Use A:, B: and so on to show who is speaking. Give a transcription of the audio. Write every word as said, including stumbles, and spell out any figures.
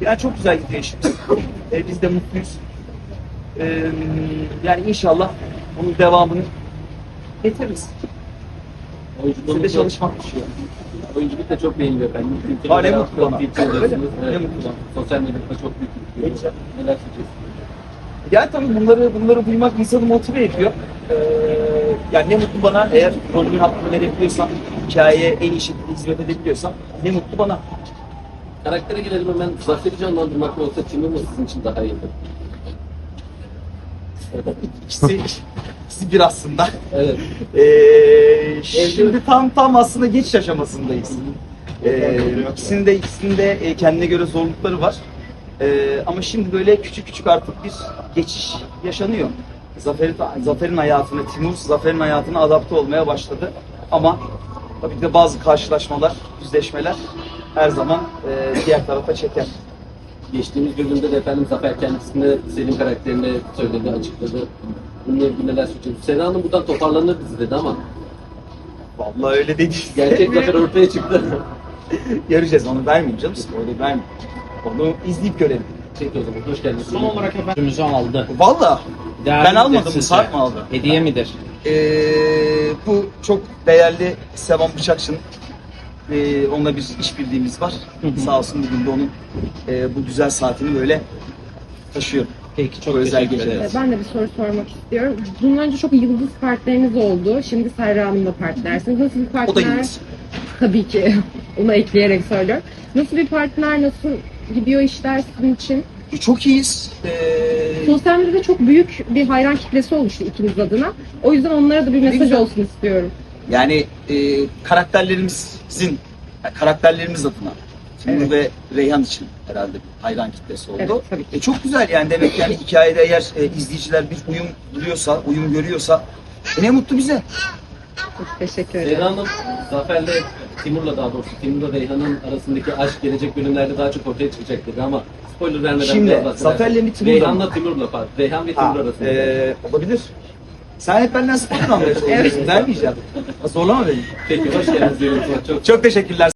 A: Yani çok güzel gidiyor işimiz. E, biz de mutluyuz. E, yani inşallah bunun devamını getiririz. Size de çalışmak düşüyor.
B: Oyunculuk da çok beğeniliyor efendim.
A: Ha, ne mutlu bana.
B: Evet.
A: Ne mutlu bana.
B: Sosyal medyada çok büyük bir ilgi. Neler söyleyeceksiniz?
A: Yani tabii bunları bunları duymak insanı motive ediyor. Ee, yani ne mutlu bana eğer rolümün hakkını verebiliyorsam, hikayeye en iyi şekilde hizmet edebiliyorsam ne mutlu bana.
B: Karaktere gelelim hemen. Zafer'i canlandırmak mı yoksa Timur mu sizin için daha iyi?
A: İkisi, ikisi bir aslında.
B: Evet.
A: Ee, şimdi tam tam aslında geçiş aşamasındayız. Ee, ikisinin de ikisinin de e, kendine göre zorlukları var. Ee, ama şimdi böyle küçük küçük artık bir geçiş yaşanıyor. Zafer'in Zafer'in hayatına, Timur Zafer'in hayatına adapte olmaya başladı. Ama tabii ki de bazı karşılaşmalar, yüzleşmeler her zaman e, diğer tarafa çeker.
B: Geçtiğimiz bölümde de efendim Zafer kendisine Selim karakterini söyledi, açıkladı. Bununla ilgili neler söyleyeceksiniz? Seda Hanım buradan toparlanır bizi dedi ama
A: Vallahi öyle dedi.
B: gerçek Zafer ortaya çıktı.
A: Göreceğiz, onu vermeyeyim canım. Öyle vermeyeyim. Onu izleyip görelim.
B: Peki o zaman hoş geldiniz.
C: Son olarak efendimizi aldı.
A: Vallahi
C: Değerli
A: ben
C: midir
A: almadım,
C: sizce?
A: Sarp mı aldı?
C: Hediye midir?
A: Ee, bu çok değerli Sevan Bıçakçı'nın ee, onunla bir işbirliğimiz var. Sağ olsun bugün de onun ee, bu güzel saatini böyle taşıyorum.
C: Peki çok
A: Bu özel
C: teşekkür
A: geceler.
C: ederiz.
D: Ben de bir soru sormak istiyorum. Bundan önce çok yıldız partneriniz oldu. Şimdi Serra Hanım'la partnersiniz. Nasıl bir partner?
A: O da yıldız.
D: Tabii ki. Onu ekleyerek söylüyorum. Nasıl bir partner? Nasıl gidiyor işler sizin için?
A: E, çok iyiyiz. Ee,
D: Sosyal medyada çok büyük bir hayran kitlesi oluştu ikiniz adına. O yüzden onlara da bir mesaj
A: güzel.
D: olsun istiyorum.
A: yani e, karakterlerimizin, yani karakterlerimiz adına Timur
D: Evet.
A: ve Reyhan için herhalde bir hayran kitlesi oldu.
D: Evet, tabii ki.
A: E, çok güzel yani demek ki yani hikayede eğer e, izleyiciler bir uyum buluyorsa, uyum görüyorsa e, ne mutlu bize.
D: Çok teşekkür ederim.
B: Seda Hanım Zafer'le Timur'la daha doğrusu Timur'la Reyhan'ın arasındaki aşk gelecek bölümlerde daha çok ortaya çıkacak dedi ama spoiler vermeden
A: Şimdi,
B: biraz bahseder.
A: Zafer'le mi Timur'la
B: Reyhan'la
A: mı?
B: Timur'la pardon. Reyhan ve
A: Ha,
B: Timur arasında.
A: e, olabilir. Sen hep benden spor almaya çalışıyorsun. Vermeyeceğim. Zorlama beni.
B: Peki hoş geldiniz diyorum. Çok
A: Çok teşekkürler.